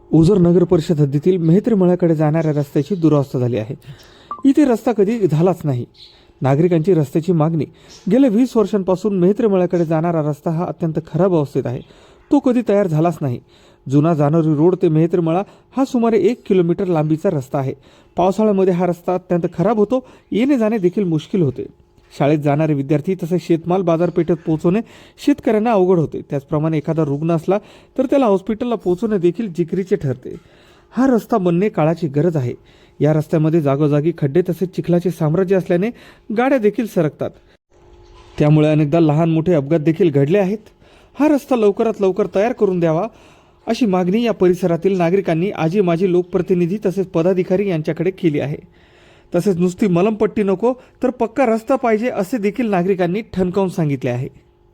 ओझर नगर परिषद हद्दीतील मेहत्री मळ्याकडे जाणाऱ्या रस्त्याची दुरावस्था झाली आहे. इथे रस्ता कधी झालाच नाही. नागरिकांची रस्त्याची मागणी गेल्या 20 वर्षांपासून मेहत्री मळ्याकडे जाणारा रस्ता हा अत्यंत खराब अवस्थेत आहे. तो कधी तयार झालाच नाही. जुना जानोरी रोड ते मेहत्री मळा हा सुमारे 1 किलोमीटर लांबीचा रस्ता आहे. पावसाळ्यामध्ये हा रस्ता अत्यंत खराब होतो. येणे जाणे देखील मुश्किल होते. शाळेत जाणारे विद्यार्थी तसेच शेतमाल बाजारपेठेत पोहोचवणे शेतकऱ्यांना अवघड होते. त्याचप्रमाणे एखादा रुग्ण असला तर त्याला हॉस्पिटलला पोहोचवणे देखील जिकरीचे ठरते. हा रस्ता बनणे काळाची गरज आहे. या रस्त्यामध्ये जागोजागी खड्डे तसेच चिखलाचे साम्राज्य असल्याने गाड्या देखील सरकतात. त्यामुळे अनेकदा लहान मोठे अपघात देखील घडले आहेत. हा रस्ता लवकरात लवकर तयार करून द्यावा अशी मागणी या परिसरातील नागरिकांनी आजी माजी लोकप्रतिनिधी तसेच पदाधिकारी यांच्याकडे केली आहे. तसेच नुसती मलमपट्टी नको तर पक्का रस्ता पाहिजे असे देखील नागरिकांनी ठणकावून सांगितले आहे.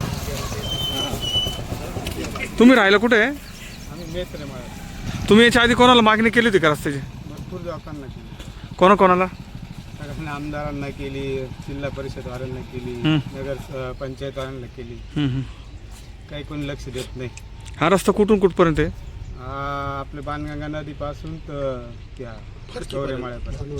तुम्ही राहिला कुठे आहे? आम्ही मेहत्री मळ्यात. तुम्ही याच्या आधी कोणाला मागणी केली होती का रस्त्याची? भरपूर लोकांना केली. कोणाला? सगळ्यांना आमदारांना केली, जिल्हा परिषदवाल्यांना केली, नगर पंचायतवाल्यांना केली. काही कोणी लक्ष देत नाही. हा रस्ता कुठून कुठपर्यंत आहे? आपले बाणगंगा नदीपासून तर त्या चौरे माळ्यापर्यंत.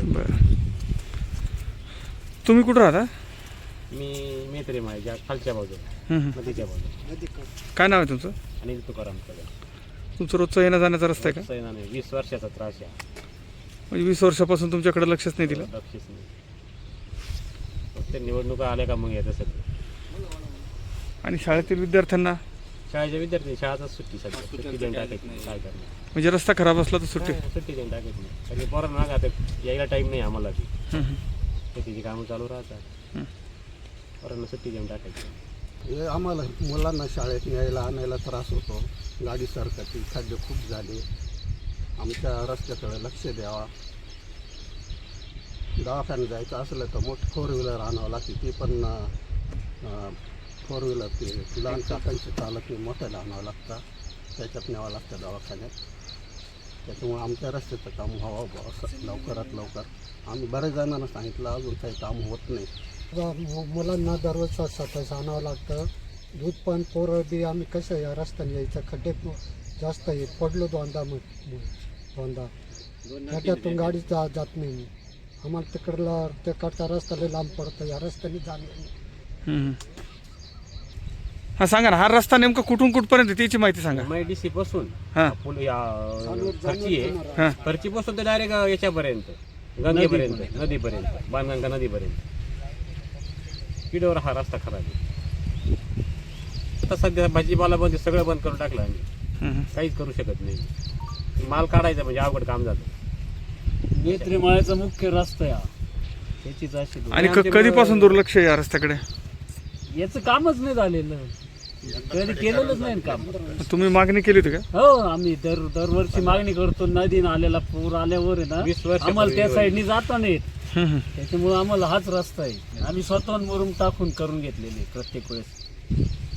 तुम्ही कुठं राहता? मी मेहत्री माळ्याच्या खालच्या बाजूला, नदीच्या बाजूला. काय नाव आहे तुमचं? अनिल तुकाराम कदम. तुमचं रोजचं येण्या जाण्याचा रस्ता आहे का? सैनाने 20 वर्षाचा त्रास आहे. म्हणजे 20 वर्षापासून तुमच्याकडे लक्षच नाही दिलं? लक्षच नाही. फक्त निवडणुका आल्या का मग येतं सगळं. आणि शाळेतील विद्यार्थ्यांना? शाळेच्या विद्यार्थी शाळाच सुट्टी सध्या. सुट्टी देऊन टाकायची नाही. काय करणार? म्हणजे रस्ता खराब असला तर सुट्टी? सुट्टी देऊन टाकायची नाही. कारण पोरांना आता यायला टाईम नाही आम्हाला. शेतीची कामं चालू राहतात. पोरांना सुट्टी देऊन टाकायची. हे आम्हाला मुलांना शाळेत न्यायला आणायला त्रास होतो. गाडी सरकती, खड्डे खूप झाले. आमच्या रस्त्याकडे लक्ष द्यावा. दवाखान्यात जायचं असलं तर मोठी 4 व्हीलर आणावं लागते. ती पण 4 व्हीलर ते लहान चाकांची चालत नाही, मोठ्याला आणावं लागतं. त्याच्यात न्यावं लागतं दवाखान्यात. त्याच्यामुळे आमच्या रस्त्याचं काम व्हावं असं लवकरात लवकर. आम्ही बऱ्याच जणांना सांगितलं, अजून काही काम होत नाही. मुलांना दररोज स्वतःच आणावं लागतं. दूध पण पोरं बी आम्ही कसं या रस्त्याने यायचं. खड्डे जास्त आहे. पडलो दोनदा खड्ड्यातून गाडी जात नाही. आम्हाला तिकडचा रस्ता लय लांब पडतो. या रस्त्याने जाणं. हा सांगा ना, हा रस्ता नेमका कुठून कुठपर्यंत त्याची माहिती सांगा. MIDC पासून हां फरची आहे. फरची पासून तर डायरेक्ट याच्यापर्यंत, गंगेपर्यंत, नदीपर्यंत, बाणगंगा नदीपर्यंत. किडोर हा रस्ता खराब आहे. आता सध्या भाजीपाला बंद, सगळं बंद करून टाकलं आम्ही. काहीच करू शकत नाही. माल काढायचा म्हणजे अवघड काम जातं. मेहत्री मळ्याचा मुख्य रस्ता आहे त्याचीच अशी. आणि कधीपासून दुर्लक्ष आहे या रस्त्याकडे? याचं कामच नाही झालेलं. कधी केलेलंच नाही काम. तुम्ही मागणी केली होती का? हो, आम्ही दरवर्षी मागणी करतो. नदी नाल्याला पूर आल्यावर आहे ना, 20 वर्ष आम्हाला त्या साईडनी जाता नाहीत. त्याच्यामुळे आम्हाला हाच रस्ता आहे. आम्ही स्वतःहून मुरुम टाकून करून घेतलेले प्रत्येक वेळेस.